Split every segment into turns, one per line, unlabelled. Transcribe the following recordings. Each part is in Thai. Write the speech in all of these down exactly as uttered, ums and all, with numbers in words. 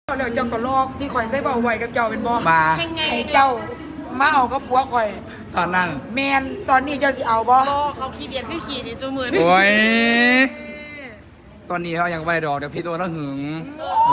แล้วเจ้าก็ลอกที่ข่อยเคยบอกไว้กับเจ้าเป็นบ่
มา
ให้เจ้ามาเอากับผัวข่อย
ตอนนั้น
แมนตอนนี้เจ้าสิเอาบ่
โบเขาขี้เดียดคือขี้นี่จูมือนี่
โอ้ยตอนนี้เขายังไม่ได้ดอกเดี๋ยวพี่ตัวต้องหึงโอ้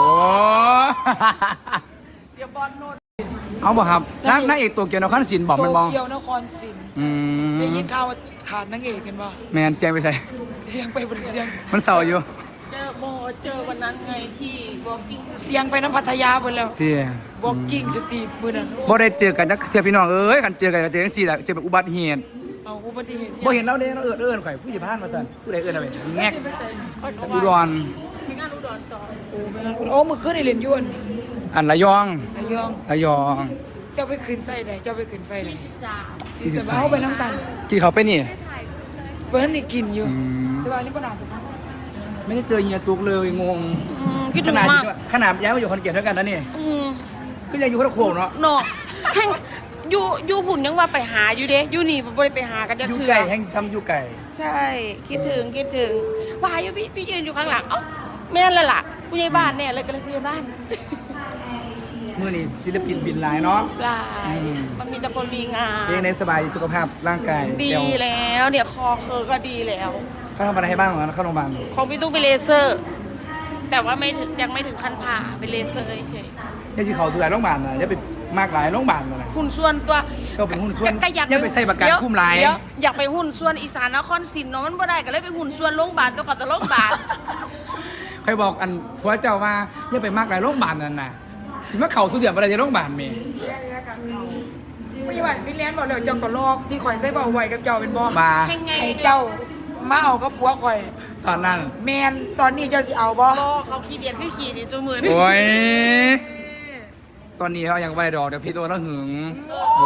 เดี๋ยวบอลโน่น
เอาบ่ครับนักนักเอกตัวเกียวนครศิลป์บอกมันบ
โต
อก
เกียวนครศรี
อืม
ได้ยินข่าวว่าขาดนางเอกกันบ่
แมนเสียงไปใส่
เสียงไปบนเสียง
มันเศร้าอยู่
เจอโบเจอวันนั้นไงที่ walking
เสียงไปน้ำพัทยาเพิ่นแล้ว
ที่
walking street มื้อนั้น
บ่ได้เจอกันจักเทื่อพี่น้องเอ้ยกันเจอกันก็เจอจังซี่แหละเจอแบบอุบัติเหตุ
เอาอุบัติเหตุ
บ่เห็นเราเด้เราเอิ้นเอิ้นข่อยผู้ใหญ่บ้านมาซั่นผู้ใดเอิ้นเอาไปแงก
ไปใส่
เขาบอก
อุด
ว่าร
ร
มีงานอุดรต่อ
โอ้แม่นโอ้มื้อคืนนี่เล่นยวน
อันระยอง
ระยอง
ระยอง
เจ้าไปขึ้นไส้ไหนเจ้าไปขึ้นไฟไหน
จ้า
สี่สิบสาม
เอาไปน้ำตาล
ที่เขาไปนี่
เพิ่นนี่กินอยู่
อืม
แต่ว่าอันนี้บ่น่าจะ
ไม่ได้เจอเฮียตุกเลยงง
อืมคิด
ข
ถึง
นาด
มาก
ขนาดย้ายมาอยู่คอนเกตด้วยกันนะนี่
อืม
ก็ยังอยู่คนละโขงเนาะ
เนาะแห่งอยู่อยู่ผุ่นยังว่าไปหาอยู่เด้อยู่นี่บ่ได้ไปหากันจะ
อยู่
เถื่
ไก่
อ
แห้งทำอยู่ไก่
ใช่คิดถึงคิดถึงว่าอยู่พี่พี่ยืนอยู่ข้างหลังเอ้าแม่นและล่ะผู้ใหญ่บ้านเนี่ยเลยก็เลยผู้ใหญ่บ้าน
เมื่อนี้ศิลปินบินหลายเนาะ
หลาย
อืม
มันมีแต่คนมีงาน
เองในสบายสุขภาพร่างกาย
ดี
เยว
แล้วเนี่ยคอเคอก็ดีแล้ว
เขาทำอะไรให้บ้างเหรอเข้าโรงพยาบาล
ของพี่ตุ้งไปเลเซอร์ แต่ว่าไม่ถึงยังไม่ถึงขั้นผ่าไปเลเซอร์เฉย
นี่สิเขาดูแลโรงพยาบาลนะอย่าไปมากหลายโรงพยาบาลนะ
หุ่นส่วนตัว
ก็เป็นหุ้นส่วน
ก็อยาก
อย่าไปใส่ประกัน
เดี๋ยว
คุ้มหลาย
เดี๋วอยากไปหุ่นส่วนอีสานนครศรีเนาะมันบ่ได้ก็เลยไปหุ่นส่วนโรงพยาบาลตัวกับตัวโรงพยาบาล
ใครบอกอันผัวเจ้าว่าอย่าไปมากหลายโรงพยาบาลนั่นน่ะสิมาเข่าสุดเดือดอะไรในโรงพยาบาลเมย์
ไม่หวานฟินแลนด์บอกแล้วเจ้าก็ลอกที่ข่อยเคยบอกไว้กับเจ้าเป็นบ่
มา
ยังไง
ให้เจ้ามาเอากับผัวข่อย
ตอนนั้น
แมนตอนนี้เจ้าสิเอาบ่
โบเขาขี้เดียดคือขี้นี่จูมือนี่
โอ้ยตอนนี้เขายังไม่ได้ดอกเดี๋ยวพี่ตัวต้องหึงโอ้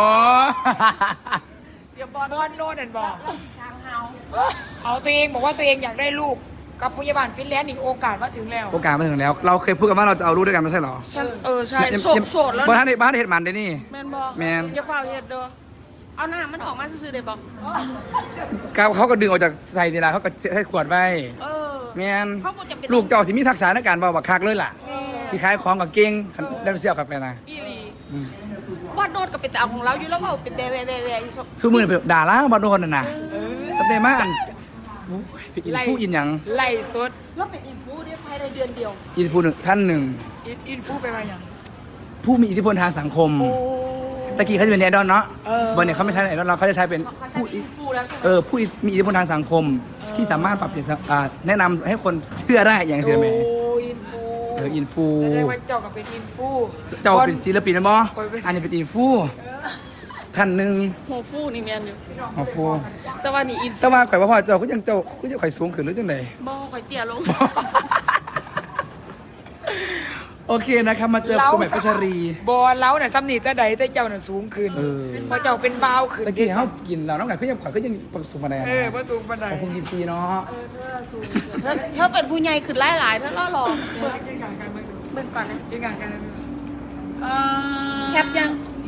เดี๋ยวบอล
บอนโน่นนั่นบอก
สร้างเฮา
เอาตัวเองบอกว่าตัวเองอยากได้ลูกกับพยาบาลฟินแลนด์อีกโอกาสมาถึงแล้ว
โอกาสมาถึงแล้ว เราเคยพูดกันว่าเราจะเอาลูกด้วยกันไม่ใช่เหรอ
ฉันเออใช่
ยัง
โสด
ยัง
โสดแล้ว
บ้าน
นะ
ในบ้านเห็ดมันได้นี่
แมนบอก
แม่น
อย่าเฝ้าเฮ็ดเด้อเอาหน้ามันออกมาซื่อๆได้บอก
เขาเขาก็ดึงออกจากใส่นี่ละเขาก็ให้ขวดไว้
เออ
แมน
เขาบ่จะเป็น
ลูกเจ้าสิมีทักษะในการเบาบักคักเลยล่ะ
แม่
สิขายของกับเก่งได้เสียกับไปนะ
อีหลี
อืม
ว่าโดดก็เป็นแต่เอาของเราอยู่แล้วว่าเป็นแด่ๆๆๆอยู่ซะ
คือมือเป็นด่าล้างบอลโดนน่ะนะตั้งแต่มาอันโอ้ยไปอินฟูอินหยัง
ไล่สด
แล้วเป็นอินฟูได้ภายในเดือนเดียว
อินฟูหนึ่งท่านหนึ่ง
อินอินฟูไปมาอย่าง
ผู้มีอิทธิพลทางสังคม
โอ้
ตะกี้เขาจะเป็นไอดอลเนาะ
เออ
บอลเนี่ยเขาไม่ใช่ไอดอลเราเขาจะใช้เป็น
เขาใช้
ผู้
อินฟูแล้วใช่ไหม
เออผู้มีอิทธิพลทางสังคม ที่สามารถปรับเปลี่ยนสังอ่าแนะนำให้คนเชื่อได้อย่างเสียไหม
โอ้อินฟู
เอออินฟู
แสดงว่าเจ้าก็เป็นอินฟู
เจ้าเป็นศิลปินนะบอ
ข้อยเป็น
อันนี้เป็นอินฟูท่านหนึ่ง
หัวฟูนี่แม่นอยู่
โอ้ฟู
แต่ว่านี่อิน
แต่ว่าข่อยว่าพ่อเจ้าก็ยังเจ้าก็ยังข่อยสูงขึ้นหรือจังได
บ่ข่อยเตี้ยลง
โอเคนะครับมาเจอคุณแม่พัชรี
บอเล้าเนี่ยซ้ำนี่แต่ใดแต่เจ้าน่ะสูงขึ้น
เออ
เพราะเจ้าเป็นบ่าวขึ้น
ตะกี้เขากินเราน้องไก่ก็ยังข่อยก็ยังประสบมาได้
เออพระสูงปานใด
ขอบคุณยินดีเนาะ
เธอเธอเป็นผู้ใหญ่ขึ้นหลายๆเธอล่อหลอก
เบิ่งยังงานกันเบิ่งดู
เบิ่งก่อนนะ
ยังงานกันเอ่อ
แคปยัง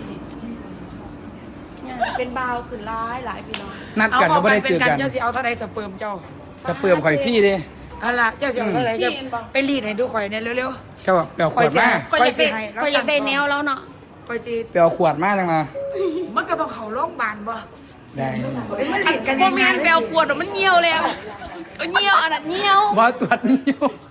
ยังเป็นบาวขึ้นหลายหลายพี่น้อง
นัด
เอา
กัน
ออ
ก็
ก
ไม่
กัน
ได้
เป็
เจ
น
อ
กัน
กัน
เจ้าสิเอาเท่าใดสเปิร์มเจ้า
สเปิร์มข่อยฟรี่เด้
เอาล่ะเจ้าสิเอาเท่าไหร่จะไปรีดให้ดูข่อยเนี่ยเร็ว
เขาบอกเปลวขวดมา
ก็อยากได้ก็อยากได้แนวแล้วเนาะ
ๆข่อยสิ
เปลวขวดมาจังมา
มันก็ต้องเข้าโรงพยาบาลบ่
ได้
เอ้ยมันรีดกัน
พว
ยั
ก
งไง
แม่นแปลวขวดอะมันเหี่ยวแล้วเออเหี่ยวอันนั้นเหี่ยว
ว่าตรวจนิ้ว